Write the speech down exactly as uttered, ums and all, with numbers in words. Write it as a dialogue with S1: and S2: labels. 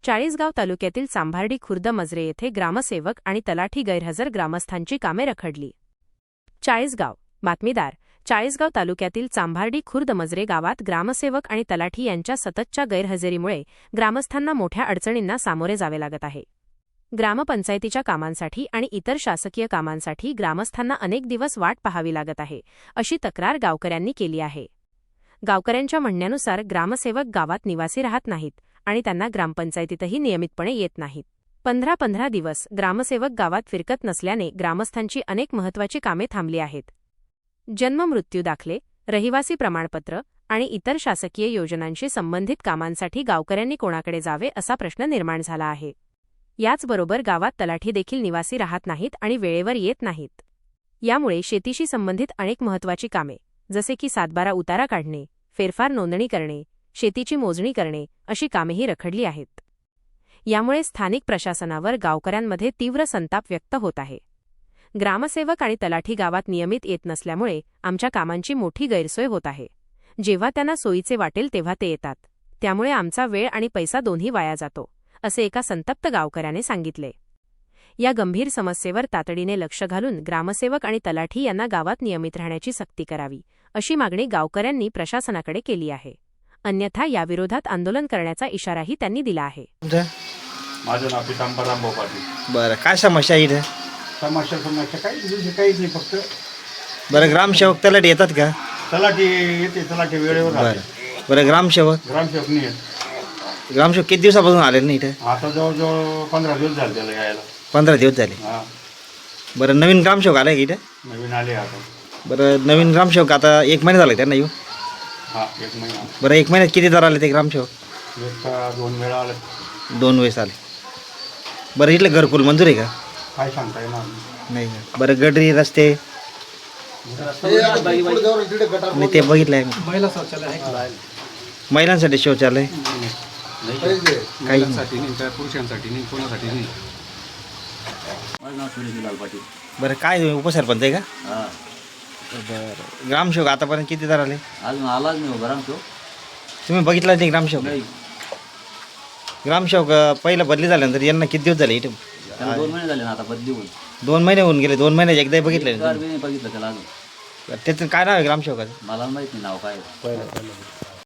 S1: चाळीसगाव तालुक्यातील चांभार्डी खुर्द मजरे येथे ग्रामसेवक आणि तलाठी गैरहजर, ग्रामस्थांची कामे रखडली. चाळीसगाव बातमीदार. चाळीसगाव तालुक्यातील चांभार्डी खुर्द मजरे गावात ग्रामसेवक आणि तलाठी यांच्या सततच्या गैरहजेरीमुळे ग्रामस्थांना मोठ्या अडचणींना सामोरे जावे लागत आहे. ग्रामपंचायतीच्या कामांसाठी आणि इतर शासकीय कामांसाठी ग्रामस्थांना अनेक दिवस वाट पाहावी लागत आहे, अशी तक्रार गावकऱ्यांनी केली आहे. गावकऱ्यांच्या म्हणण्यानुसार ग्रामसेवक गावात निवासी राहत नाहीत आणि त्यांना ग्रामपंचायतीतही नियमितपणे येत नाहीत. पंधरा पंधरा दिवस ग्रामसेवक गावात फिरकत नसल्याने ग्रामस्थांची अनेक महत्त्वाची कामे थांबली आहेत. जन्म मृत्यू दाखले, रहिवासी प्रमाणपत्र आणि इतर शासकीय योजनांशी संबंधित कामांसाठी गावकऱ्यांनी कोणाकडे जावे असा प्रश्न निर्माण झाला आहे. याचबरोबर गावात तलाठी देखील निवासी राहत नाहीत आणि वेळेवर येत नाहीत. यामुळे शेतीशी संबंधित अनेक महत्त्वाची कामे जसे की सातबारा उतारा काढणे, फेरफार नोंदणी करणे, शेतीची मोजणी करणे अशी कामेही रखडली आहेत. यामुळे स्थानिक प्रशासनावर गावकऱ्यांमध्ये तीव्र संताप व्यक्त होत आहे. ग्रामसेवक आणि तलाठी गावात नियमित येत नसल्यामुळे आमच्या कामांची मोठी गैरसोय होत आहे. जेव्हा त्यांना सोयीचे वाटेल तेव्हा ते येतात, त्यामुळे आमचा वेळ आणि पैसा दोन्ही वाया जातो, असे एका संतप्त गावकऱ्याने सांगितले. या गंभीर समस्येवर तातडीने लक्ष घालून ग्रामसेवक आणि तलाठी यांना गावात नियमित राहण्याची सक्ती करावी, अशी मागणी गावकऱ्यांनी प्रशासनाकडे केली आहे. अन्यथा याविरोधात आंदोलन करण्याचा इशाराही त्यांनी दिला आहे.
S2: माझं नाव पितांबर रामभाऊ पाटील.
S3: बरं, काय समस्या आहे इथे?
S2: समस्या समस्या काही दुसरी काहीच नाही, फक्त
S3: बरं ग्रामसेवक तलाठी येतात का?
S2: तलाठी येते, तलाठी वेळेवर
S3: बरं
S2: राहते.
S3: बरं ग्रामसेवक
S2: ग्रामसेवक नाही येत.
S3: ग्रामसेवक किती दिवसापासून आले नाही इथे?
S2: आता जवळजवळ पंधरा दिवस झाले त्याला यायला.
S3: पंधरा दिवस झाले.
S2: हा,
S3: बरं नवीन ग्रामसेवक आले का इथे?
S2: नवीन आले आता.
S3: बरं नवीन ग्रामसेवक आता एक महिना झाला त्यांना येऊ?
S2: हा, एक महिना.
S3: बरं एक महिन्यात किती दर आले ते ग्रामसेवक?
S2: एक का दोन वेळा आले.
S3: दोन वेळेस आले. बरं इथलं घरकुल मंजूर आहे का?
S2: काय सांगता येणार
S3: नाही का? बरं गडरी रस्ते नाही ते बघितलं आहे.
S2: महिला शौचालय आहे.
S3: महिलांसाठी शौचालय काही
S2: महिलांसाठी नाही, त्या पुरुषांसाठी नाही, कोणासाठी नाही.
S4: माझं नाव सुरेशलाल पाटील.
S3: बरं काय तुम्ही उपसरपंच आहे का?
S4: हां,
S3: बरं ग्रामसेवक आतापर्यंत किती दर आले?
S4: अजून आलाच नाही उभा राहतो.
S3: तुम्ही बघितलं नाही ग्रामसेवक?
S4: नाही,
S3: ग्रामसेवक अं, पहिलं बदली झाल्यानंतर यांना किती दिवस झाले इथे?
S4: त्याला दोन महिने झाले ना आता बदली होऊन.
S3: दोन महिने होऊन गेले. दोन महिन्याचे एकदा बघितलं
S4: एक
S3: नाही.
S4: बी नाही बघितलं त्याला अजून.
S3: त्याचं काय नाव आहे ग्रामसेवकाचं?
S4: मला माहित नाही नाव काय आहे.